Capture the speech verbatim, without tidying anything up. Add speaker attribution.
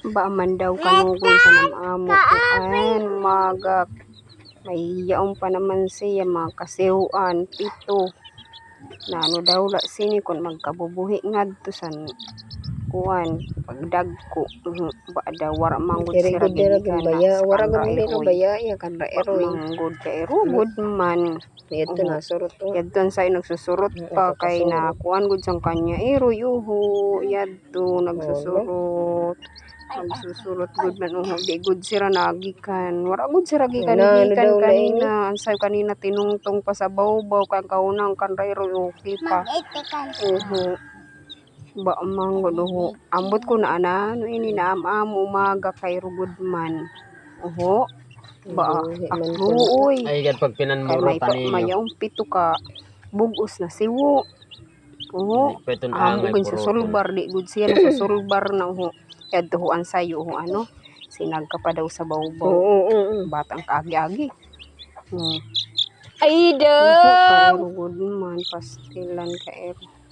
Speaker 1: Ba man daw kanugon sa namamo ko an magak. May yaong pa naman siya mga kasihuan pito. Na ano daw la sini kon magkabubuhi ngadto san kuan pagdagko uh, ba daw wara manggod
Speaker 2: Very
Speaker 1: sira
Speaker 2: good dira
Speaker 1: gikan na
Speaker 2: baya.
Speaker 1: sa
Speaker 2: Wara
Speaker 1: kanra
Speaker 2: gud dira
Speaker 1: eroy.
Speaker 2: baya ya kan ra
Speaker 1: Ba
Speaker 2: eroy.
Speaker 1: manggod ka erugod man.
Speaker 2: Ito na surot to.
Speaker 1: Yadton sa nagsusurot pa kay na kuan gud sang kanya eroy uho yadto nagsusurot. Nagsusurot gud man uho di gud sira nagikan. Wara gud sira gikan
Speaker 2: Na, ano
Speaker 1: gikan
Speaker 2: daw lain
Speaker 1: kanina. Ansay kanina tinungtong pa sa bawbaw kang kaunang kan ra eroy okay pa. Uho. Ba manggod uho. Ambot ko na ana no ini na am umaga kay rugod man. Uho. Ba akluoy.
Speaker 3: Ay gad pag
Speaker 1: Kay
Speaker 3: pinanmuro
Speaker 1: may
Speaker 3: pa
Speaker 1: pa,
Speaker 3: ninyo.
Speaker 1: mayong pito ka bugos na siwo. Oo.
Speaker 3: Peton
Speaker 1: Amo
Speaker 3: angay
Speaker 1: gud sa
Speaker 3: purutol.
Speaker 1: sulbar di gud siya na sa sulbar na ho. Yadtuhuan sayo ho ano. Sinag ka pa daw sa bawbaw.
Speaker 2: Oo, oo, oo.
Speaker 1: Batang kaagi-agi. Hmm.
Speaker 2: Ay
Speaker 1: Uho ka
Speaker 2: daw.
Speaker 1: ero gud man pastilan ka ero.